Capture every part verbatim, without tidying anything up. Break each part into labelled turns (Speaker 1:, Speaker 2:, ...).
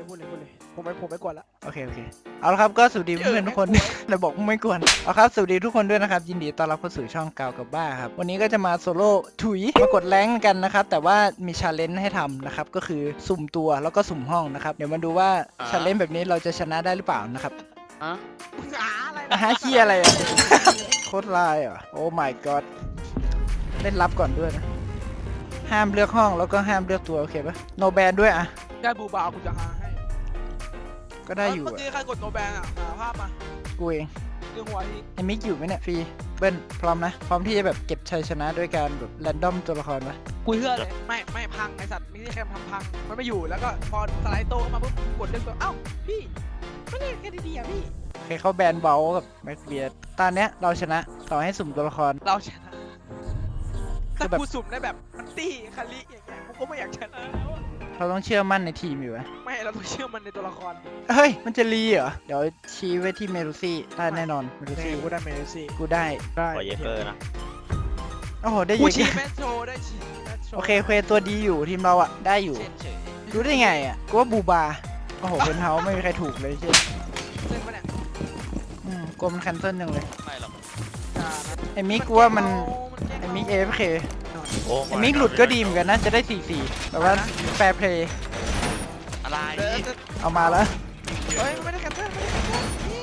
Speaker 1: เลยพูดเลยพูดเลยผมไม่ผมไม่กวนละ
Speaker 2: โอเคโอเคเอาละครับก็สวัสดีเพื่อนๆทุกคนเราบอกไม่กวนเอาครับสวัสดีทุกคนด้วยนะครับยินดีต้อนรับเข้าสู่ช่องกาวกับบ้าครับวันนี้ก็จะมาโซโล่ถุยมากดแรงกันนะครับแต่ว่ามีชาเลนจ์ให้ทำนะครับก็คือสุ่มตัวแล้วก็สุ่มห้องนะครับเดี๋ยวมาดูว่าชาเลนจ์แบบนี้เราจะชนะได้หรือเปล่านะครับ
Speaker 1: อ่ะอะไร
Speaker 2: อาหาขี้อะไรอ่ะ โคตรลายอ่ะโอ้ my god เล่นรับก่อนด้วยนะห้ามเลือกห้องแล้วก็ห้ามเลือกตัวโอเคปะโนแบนด้วยอ่ะ
Speaker 1: ได้บูบาวกูจะหาให้
Speaker 2: ก็ได้อยู่
Speaker 1: เมื่อ
Speaker 2: อ่ะ
Speaker 1: กี้ใครกดโนแบงอ่ะหาภาพมา
Speaker 2: กูเอง
Speaker 1: เรื่องหัวที่
Speaker 2: ไอ้มิกอยู่ไหมเนี่ยฟรีเบิ้ลพร้อมนะพร้อมที่จะแบบเก็บชัยชนะด้วยการแบบแรนดอมตัวละครปะ
Speaker 1: กูเชื่อเลยไม่ไม่พังไอสัตว์ไม่ใช่แค่ทำพังมันไม่อยู่แล้วก็พอสไลด์โตเข้ามาปุ๊บกดเลือกตัวเอ้าพี่ไม่ได้แค่ดีๆอ่ะพี่
Speaker 2: โอเคเขาแบนเบลกับแม็กเบียร์ตอนเนี้ยเราชนะต่อให้สุ่มตัวละคร
Speaker 1: เราชนะ
Speaker 2: คื
Speaker 1: ถ้า
Speaker 2: อแบบ
Speaker 1: กูสุ่มได้แบบมันตี้คาริอย่างเงี้ยกูก็ไม่อยากชนะแล้วอะ
Speaker 2: เราต้องเชื่อมั่นในทีมอยู่วะ
Speaker 1: ไม่เราต้องเชื่อมันในตัวละคร
Speaker 2: เฮ้ยมันจะรีเหรอเดี๋ยวชี้ไว้ที่เมรูซี่ได้แน่นอนเมรู
Speaker 1: นี่
Speaker 2: ซี่
Speaker 1: กูได้เมสซี่
Speaker 2: กูได้
Speaker 1: ได้
Speaker 3: ขอเยเกอร์นะ
Speaker 2: โอ้โหได้
Speaker 1: กู
Speaker 2: เย
Speaker 1: ชี้
Speaker 2: อะ
Speaker 1: แมสโชได้ชี้แมสโช
Speaker 2: โอเคเควตัวดีอยู่ทีมเราอ่ะได้อยู่
Speaker 3: เส้นเฉย
Speaker 2: รู้ได้ไงอ่ะกูว่าบูบาโอ้โหเป็นเฮาไม่มีใครถูกเลยใช่
Speaker 1: เส้นปะเนี่ย
Speaker 2: อืมกลัวมันแคนเซิลจังเลย
Speaker 3: ไม่หรอก
Speaker 1: อ่านะ
Speaker 2: ไอ้มิกกูว่ามัน
Speaker 1: แกล้ง
Speaker 2: ไอ้
Speaker 1: เรา
Speaker 2: มิกเอฟเค
Speaker 3: โอ้
Speaker 2: ไอ้มิกหลุดก็ดีเหมือนกันนะจะได้สี่สี่แต่ว่าแฟร์เพลย์
Speaker 3: อะไร
Speaker 1: เดี๋ยวจะ
Speaker 2: เอามาแล้ว
Speaker 1: เฮ้ยไม่ได้แคนเซิลไม่ได้แคนเซิล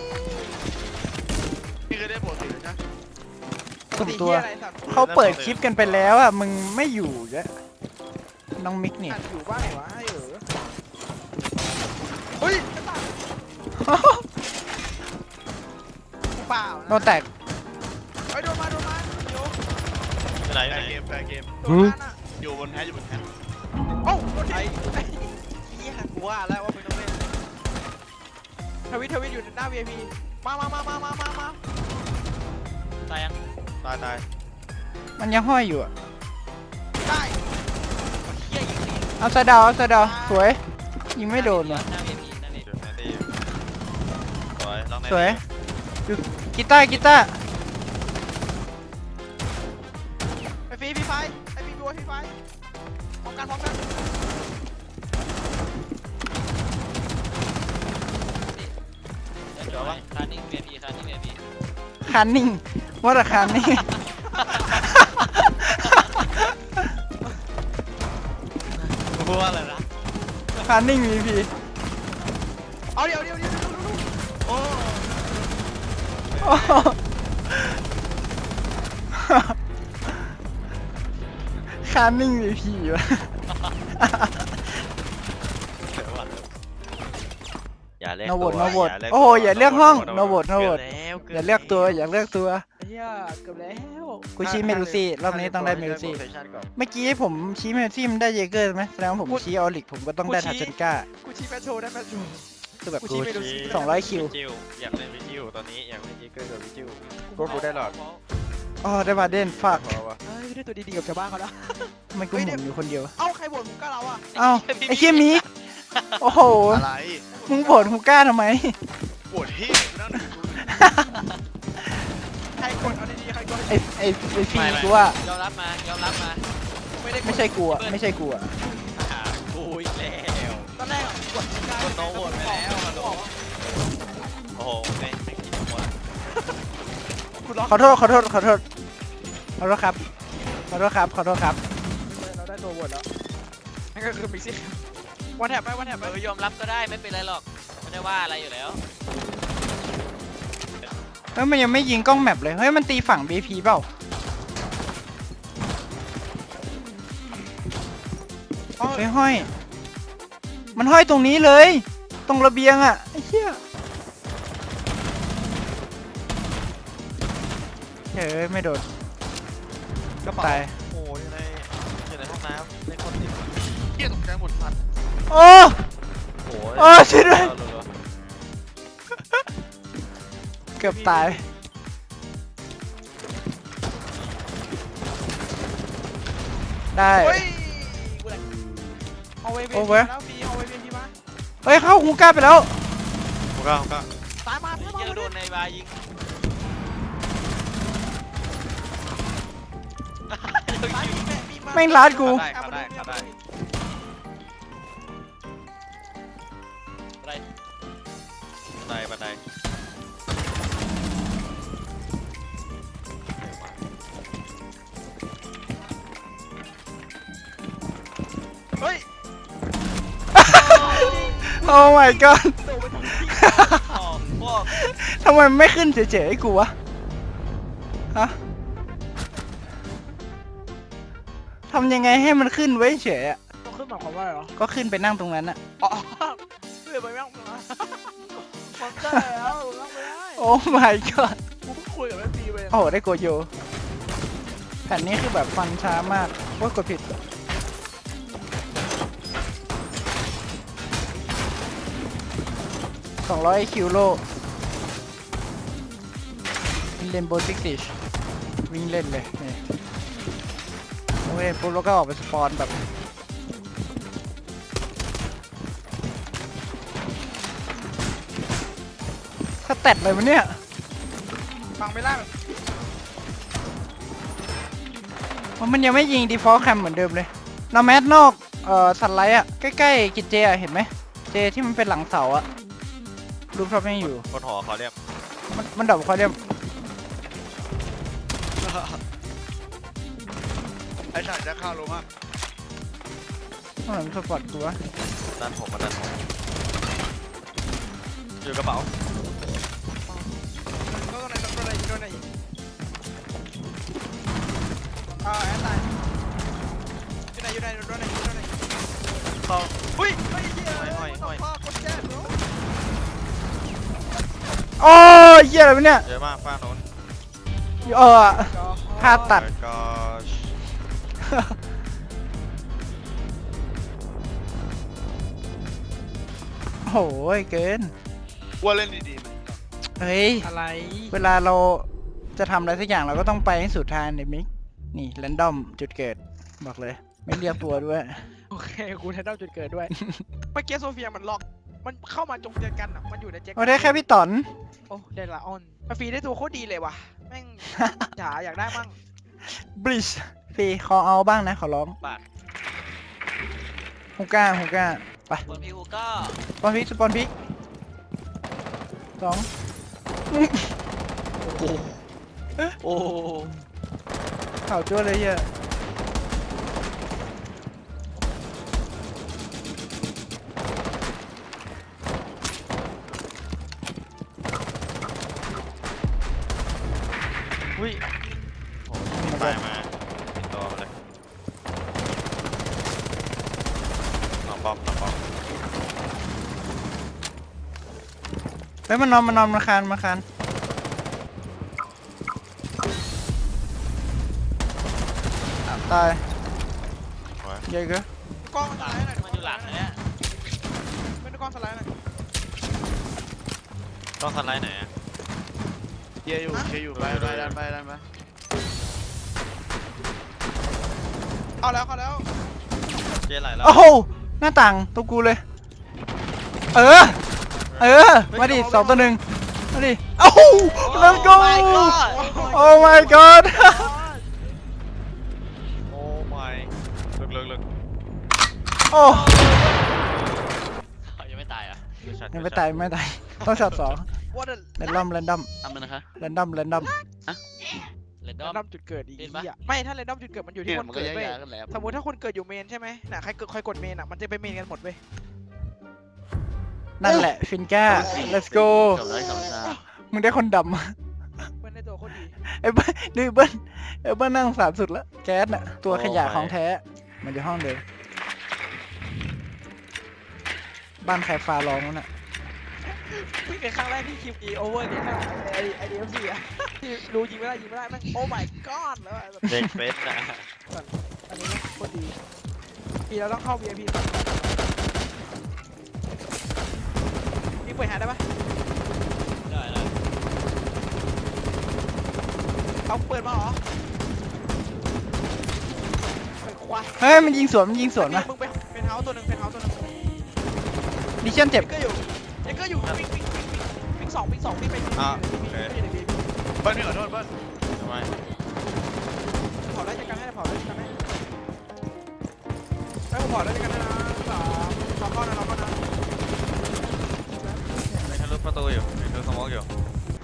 Speaker 3: พี่เคยได้ปกติเลยนะ
Speaker 2: สุ่มตัว
Speaker 1: ปกติเหี้ยอะไรสัตว์
Speaker 2: เขาเปิดคลิปกันไปแล้วอ่ะมึงไม่อยู่ยะน้องมิกนี่
Speaker 1: อัดอยู่บ้านไหนวะให้เออเฮ้ยกระต่ายเปล่า
Speaker 2: โดนแตก
Speaker 1: เฮ้ยโดนมาโดนมาโย
Speaker 3: ไหนไหนเกมเกม
Speaker 1: โดนมาน่ะ
Speaker 3: อยู่บนแพอยู่บนแพ
Speaker 1: โอ้าโดนไอ้
Speaker 3: เฮียกูว่าแล้วว่าเป็นต้องเล่น
Speaker 1: ทวิตทวิตอยู่หน้า วี ไอ พี มามามามามามามา
Speaker 3: ตายยังตายตาย
Speaker 2: มันยังห้อยอยู่อ่ะ
Speaker 1: ได้
Speaker 3: เฮียยิงดี
Speaker 2: เอาซะดาวเอาซะดาวสวยยิงไม่โดนว่ะ
Speaker 3: หน้าเวทีนั่นเองแมตตี้สวยลอง
Speaker 2: สวยดูกีตาร์กีตาร์
Speaker 1: ไอ้ฟรีฟรีไฟไอ้ฟรีบัวฟรีไฟพร้อมกันพร้อมกัน
Speaker 3: เดี๋ยววะคานิ่งเวทีคานิ่งเวที
Speaker 2: คันนิ่งว่าแต่คันนิ่ง
Speaker 3: พูดว่าอะไรนะ
Speaker 2: คันนิ่งมีพี
Speaker 1: เอาเดี๋ยวเดี๋ยวเดี๋ยวเดี๋ยวเดี๋ยว
Speaker 3: โอ้
Speaker 2: คันนิ่งมีพีวะ
Speaker 3: อย่าเล่น
Speaker 2: โนโวตโนโวตโอ้โหอย่าเลือกห้องโนโวตโนโวตอย่าเลือกตัวอย่าเลือกตัว
Speaker 1: เฮียเกือบแล้ว
Speaker 2: กูชี้เมลูซี่รอบนี้ต้องได้เมลูซี่เมื่อกี้ผมชี้เมลูซี่มันได้เยเกอร์ไหมแสดงว่าผมชี้ออลิกผมก็ต้องได้ทัชเชนก้า
Speaker 1: กูชี้แมสโชได้แมสโช
Speaker 2: คือแบบ
Speaker 1: กู
Speaker 2: กู
Speaker 1: ชี้เมลูซี่
Speaker 2: สองร้อยคิว
Speaker 3: จิวอยากเล่นวิจิวตอนนี้อยากเล่นเยเกอร์กับวิจิวก็กูได้หลอด
Speaker 2: อ๋อได้บาเดนฝาก
Speaker 3: พอวะ
Speaker 1: เฮ้ยได้ตัวดีๆกับชาวบ้านเขาแล้ว
Speaker 2: ทำไมกูหมุนอยู่คนเดียว
Speaker 1: เอ้าใครบ่นผมกล้าเราอ่ะ
Speaker 2: เอ้าไอ้เคียมิกโอ้โห
Speaker 3: อะไร
Speaker 2: มึงบ่นกูกล้าทำไม
Speaker 3: ปวดที่นั่ง
Speaker 1: ใครกดเอาดีๆใครกด
Speaker 2: ไอ้ไอ้ไอ้ฟีกูว่าย
Speaker 3: อมรับมายอมรับมา
Speaker 1: ไม่ได้กด
Speaker 2: ไม่ใช่กูอ่ะไม่ใช่กูอ่ะ
Speaker 3: หากูอีกแล้ว
Speaker 1: ตอนแรกอะกดกล้าก
Speaker 3: ดโน้ตโหวตไปแล้วอะโน้ต โอ้โหไม่ไม่คิดหมด
Speaker 1: กูล็อก
Speaker 2: ขอโทษขอโทษขอโทษขอโทษครับขอโทษครับขอโทษครับ
Speaker 1: เราได้ตัวบทแล้วนั่นก็คือมิกซี่วันแถบไปวันแถบไป
Speaker 3: เออยอมรับก็ได้ไม่เป็นไรหรอกไม่ได้ว่าอะไรอยู่แล้ว
Speaker 2: เฮ้ยมันยังไม่ยิงกล้องแมปเลยเฮ้ยมันตีฝั่ง บี พี เปล่า
Speaker 1: อ๋อ
Speaker 2: เฮ้ยห้อย มันห้อยตรงนี้เลย ตรงระเบียงอ่ะไอ้เหี้ยเฮ้ยไม่โดน
Speaker 3: กระเป๋า
Speaker 2: ตาย
Speaker 3: โอ้ยอยู่ในอยู่ในห้องน้ำในคนติดเกียตกใจหมดสัตว์
Speaker 2: โอ้
Speaker 3: โอ้ย
Speaker 2: โอ้ช่วยด้วย เกือบตายได้
Speaker 1: เฮ้ยกูแหละเอาไว้เว
Speaker 2: โอ้
Speaker 1: ที
Speaker 2: เว้ย
Speaker 1: แล้วฟีเอาไว้เวทีมา
Speaker 2: เฮ้ยเข้าฮูก้าไปแล้ว
Speaker 3: โอ้ก้าโอ้ก้า
Speaker 1: ตายมาตายมา
Speaker 3: เยอะโดนในบายิง
Speaker 1: ตายมีแม่มีมา
Speaker 2: แม่งลาดกู
Speaker 3: ได้ครับได้ครับได้ไดบันไดบันได
Speaker 1: เฮ้ย
Speaker 2: โอ้ my god
Speaker 1: โดนไปทั้งที่
Speaker 3: อ๋อพวก
Speaker 2: ทำไมมันไม่ขึ้นเฉยๆให้กูวะฮะทำยังไงให้มันขึ้นไว้เฉยอะ
Speaker 1: ต้องขึ้นหมายความว่าอะไรเหรอ
Speaker 2: ก็ขึ้นไปนั่งตรงนั้นอะ
Speaker 1: อ๋อเพื่อไปนั่งมามันได้แล้วนั่งไม่ได้
Speaker 2: โอ้ my god
Speaker 1: กูเพิ่งคุยกับแม่ปีไป
Speaker 2: โอ้โหได้โกโยแผ่นนี้คือแบบฟันช้ามากว่ากดผิดสองร้อยคิวโลเล่นโบสิกซิชวิ่งเล่นเลยนี่โอเคปุ๊บแล้วก็ออกไปสปอนแบบถ้าแตดเลยมันเนี่ย
Speaker 1: ฟังไม่ได้แบบ
Speaker 2: มันยังไม่ยิง default cam เหมือนเดิมเลยนอแมสนอกเอ่อสันไลท์อะใกล้ๆกิจเจอะเห็นไหมเจที่มันเป็นหลังเสาอะรูปท็อปยังอยู่
Speaker 3: บนหอเขาเรียก
Speaker 2: มันมันดับเขาเรียก
Speaker 4: ไอ้ฉันจะเข้ารู้มาก
Speaker 2: ต้องหลังสปอร์ตกูวะ
Speaker 3: ด้านผมมาด้านผมอยู่กระเป๋า
Speaker 1: ก็ตรงไหนตรงไหนตรงไหนอ่าแอนไลน์อยู่ไหนอยู่ไหนตรงไหนตรงไหน
Speaker 3: เข้า
Speaker 1: อุ้ยเฮ้ยเฮีย
Speaker 3: ห้อยห้อยห้อย
Speaker 1: พ่อกดแจ้งเหรอ
Speaker 2: โอ้ยเหี้ยอะไรวะเนี่ย
Speaker 3: เยอะมากฝ้าโน้น
Speaker 2: เออ ภาพตัด
Speaker 3: แล้วก็
Speaker 2: โหยเกิน
Speaker 4: ว่าเล่นดีๆมัน
Speaker 2: เฮ้ย
Speaker 1: อะไร
Speaker 2: เวลาเราจะทำอะไรสักอย่างเราก็ต้องไปให้สุดทางเนี่ยมิกนี่แรนดอมจุดเกิดบอกเลย ไม่เรียกตัวด้วย
Speaker 1: โอเคกูแทนเอาจุดเกิดด้วยเมื่อกี้โซเฟียมันล็อกมันเข้ามาจงเจอกันอ่ะมันอยู่ในแจ็ค
Speaker 2: โอ้ได้แค่พี่ต๋อน
Speaker 1: โอ้ได้ละออนมาฟรีได้ตัวโคตรดีเลยว่ะแม่งจ๋าอยากได้มั่ง
Speaker 2: บริชฟรีขอเอาบ้างนะขอร้อง
Speaker 3: บาท
Speaker 2: ฮูก้าฮูก้าไป
Speaker 3: บนพี่ฮูก้า
Speaker 2: สปอนพิกสปอนพิกสอง
Speaker 3: โอ้
Speaker 2: ข่าวจ้วเลยเหี้ย
Speaker 3: อุ้ยโอ้ยตายมาติดตัวมาเลยน้องบอมน้องบอม
Speaker 2: เฮ้ยมันนอนมันนอนมาคานมาคานตาย
Speaker 3: โอ้ย
Speaker 2: เยอะเกิน
Speaker 1: กล้องสไลด์หน่อย
Speaker 3: มันอยู่หลังเนี่ย
Speaker 1: เป็นกล้องสไลด์หน่อย
Speaker 3: ต้องสไลด์ไหนอะ
Speaker 4: เยอะอยู่เยอะอยู่ไปไปดันไปดันไป
Speaker 1: เอาแล้วเอาแล้ว
Speaker 3: เจ๊ไหลแล้ว
Speaker 2: โอ้โหหน้าต่างตัวกูเลย เออ เออ มาดิสองต่อหนึ่งมาดิเอ้า let's go โอ้ my god
Speaker 3: โอ้ my ลึกลึกลึก
Speaker 2: โอ้
Speaker 3: ยังไม่ตายอ่ะ
Speaker 2: ยังไม่ตายไม่ตายต้องช็อตสอง
Speaker 1: ว่าเด
Speaker 2: แรนดอมแรนดอม
Speaker 4: ทำมันนะคะ
Speaker 2: แรนดอมแรนดอม
Speaker 3: เลนด
Speaker 1: แร
Speaker 3: อม
Speaker 1: นดอมจุดเกิดอีก
Speaker 3: เห็นปะ
Speaker 1: เหี้ยไม่ถ้าแรนดอมจุดเกิดมันอยู่ที่
Speaker 4: เนี่ย
Speaker 1: คน
Speaker 4: มันก็
Speaker 1: เกิด
Speaker 4: ย้า
Speaker 1: เว้ย
Speaker 4: ยๆกันแหล้ว
Speaker 1: สมมติถ้าคนเกิดอยู่เมนใช่ไหมน่ะใครเกิดใครกดเมนอ่ะมันจะไปเมนกันหมดเว้ย
Speaker 2: นั่นแหละฟินก้า let's go
Speaker 4: สองร้อยสองสาม
Speaker 2: มึงได้คนดำ
Speaker 1: เพื่อนในตัวโคตรดี
Speaker 2: ไอ้เบิ้ลดูเบิ้ลไอ้เบิ้ลนั่งสามสุดแล้วแก๊สน่ะตัวขยะของแท้ มันอยู่ห้องเดิมบ้านใครฟ้าร้องวะน่ะ
Speaker 1: เพิ่งเป็นครั้งแรกที่คิวอีโอเวอร์เนี่ยไอไอดีเอฟซีอ่ะที่รู้ยิงไม่ได้ยิงไม่ได้แม่งโอ้ my god แล้วอะแบบ
Speaker 3: เด็กเฟสนะ
Speaker 1: อันนี้โคตรดีปีเราต้องเข้า วี ไอ พี ก่อนนี่เปิดหาได้ปะ
Speaker 3: ได้แล้ว
Speaker 1: เอาเปิดมาเหรอเปิดควาย
Speaker 2: เฮ้ยมันยิงสวนมันยิงสวนมา
Speaker 1: มึงไปเป็นเฮาส์ตัวหนึ่งเป็นเฮาส์ตัวหนึ่ง
Speaker 2: ดิชั่นเจ็บ
Speaker 1: ก็อยู่ยังก็อยู่วิ่งวิ่งวิ่งวิ่งวิ่งสองวิ่งสองวิ่งไปวิ่ง
Speaker 3: อ่ะ
Speaker 1: วิ่ง
Speaker 3: โอเค
Speaker 1: วิ่งวิ่ง
Speaker 4: เบิ้ลไม่ขอโทษเบิ้ล
Speaker 3: ทำไม
Speaker 1: เผาได้จัดการให้เผาได้จัดการให้ให้ผมเผาได้จัดการให้นะสามสองก้อนนะสองก้อนนะ
Speaker 3: ประตูอยู่เห็นเธอสมองอยู่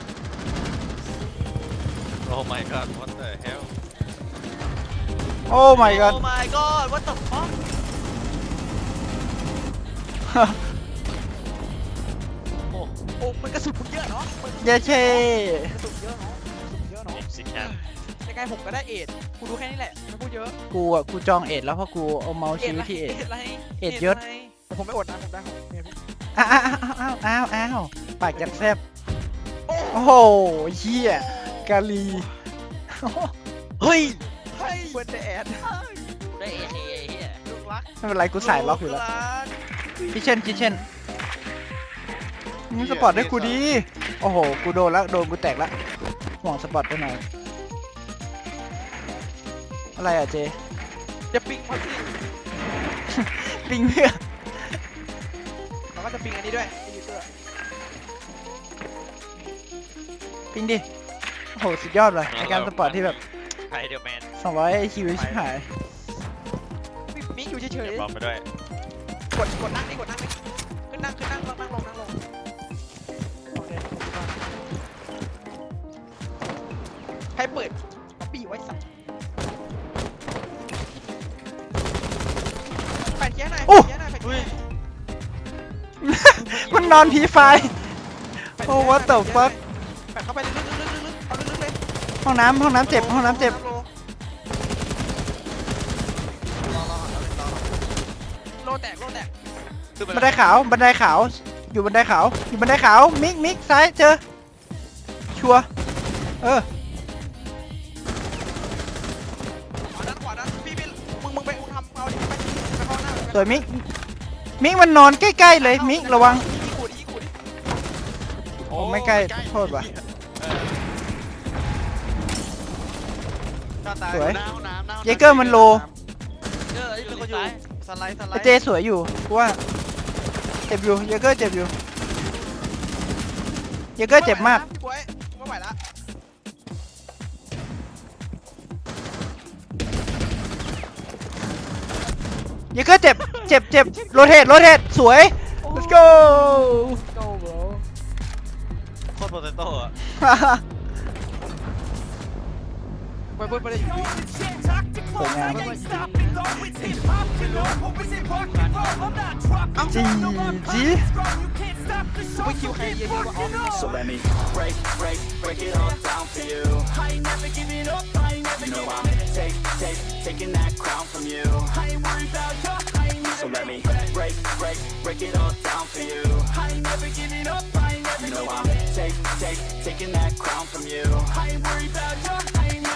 Speaker 3: โอ้ my god what the hell
Speaker 2: โอ้ my god
Speaker 3: โอ้ my god what the fuck โอ้
Speaker 1: โอ้มันกระสุนมึงเยอะเนาะมัน
Speaker 2: เย้เช่
Speaker 1: กระสุนเยอะเนาะกระสุนเยอะเนาะ
Speaker 3: เอ็มซิแคม
Speaker 1: ยังไงผมก็ได้เอ็ดกูรู้แค่นี้แหละไม่พูดเยอะ
Speaker 2: กูอ่ะกูจองเอ็ดแล้วเพราะกูเอาเมาส์ชี้ไว้ที่เอ็ด
Speaker 1: อะไร
Speaker 2: เอ็ดยศ
Speaker 1: อะไรผมไม่อดนะผมได้ของเนี่ยพี่
Speaker 2: อ้าวอ้าวอ้าวอ้าวอ้าวปากจัดแซบ
Speaker 1: โอ้
Speaker 2: โอ้โหเฮียกาลี
Speaker 3: เฮ้ย
Speaker 1: เฮ้ยเบิร์ดแอด
Speaker 3: ได้เอเอเฮีย
Speaker 1: ลูกรัก
Speaker 2: ไม่เป็นไรกูสายล็อกอยู่แล้วคิเช่นคิเช่นมึงสปอร์ตให้กูดีโอ้โหกูโดนแล้วโดนกูแตกแล้วห่วงสปอร์ตไปหน่อยอะไรอ่ะเจ
Speaker 1: จะปิงมาสิ
Speaker 2: ปิงเพื่อ
Speaker 1: เราก็จะปิงอันนี้ด้วยไอ้ยูเตอร์
Speaker 2: ปิงดิโอ้โหสุดยอดเลยในการสปอร์ตที่แบบ
Speaker 3: ไฮเดอร์แมน
Speaker 2: สองร้อยคิวชิบหาย
Speaker 1: มิกอยู่เฉย
Speaker 3: เก็บบอมไปด้วย
Speaker 1: ๆกดกดนั่งนี่กดนั่งนี่ขึ้นนั่งขึ้นนั่งนั่งนั่งลงนั่งลงโอเคใครเปิดป๊อปปี้ไว้สับแปดเคี้ยหน่อยแปดเคี้ยหน่อยแปดเคี้ยหน่อย
Speaker 2: มันนอนผีไฟ โอ้ what the fuck
Speaker 1: แปดเข้าไปลึกๆลึกๆลึกๆเอาลึกๆเลย
Speaker 2: ห้องน้ำห้องน้ำเจ็บห้องน้ำเจ็บ
Speaker 1: โลแตกโลแตก
Speaker 4: ขึ้นไป
Speaker 2: บันไดขาวบันไดขาวอยู่บันไดขาวอยู่บันไดขาวมิกมิกซ้ายเจอชัวร์เออ
Speaker 1: ขวาด้านขวาด้านพี่พี่มึงมึงไปมึงทำเอาดิไปไปเข้าหน้า
Speaker 2: สวยมิกมิกมันนอนใกล้ๆเลยมิกระวัง
Speaker 1: ยิงกูดิยิงกูดิ
Speaker 2: โอ้ไม่ใกล้โทษว่ะ
Speaker 4: หน้าตา
Speaker 2: สวย
Speaker 4: หน้าห้องน้ำหน้าห้องน้ำ
Speaker 2: เยเกอร์มันโล
Speaker 3: เจอไอ้
Speaker 4: มี
Speaker 3: เป็น
Speaker 4: ค
Speaker 3: คน น
Speaker 4: อ
Speaker 3: อยู่ ยู่
Speaker 4: สไลด์สไล
Speaker 2: ไอ
Speaker 4: ด์
Speaker 2: เจสวยอยู่กูว่าเจ็บอยู่เยเกอร์เจ็บอยู่เยเกอร์เจ็บมาก
Speaker 1: พี่บวยไม่ไหวละ
Speaker 2: เยเกอร์เจ็บเจ็บเจ็บโรเทตโรเทตสวย let's go
Speaker 1: โก้ bro
Speaker 3: โคตรโปเตโต้อะ
Speaker 1: ไปเพิ่มไปเลยอยู่
Speaker 2: สวยงามจีจี
Speaker 1: ไปคิวใครเยอะๆวะอ๋อ
Speaker 5: So let me break, break, break it all down for you. I ain't never giving up, I ain't never giving up. Take, take, taking that crown from you. I ain't worried about you, I ain't never. So let me break, break, break it all down for you. I ain't never giving up, I ain't never giving up. Take, take, taking that crown from you. I ain't worried about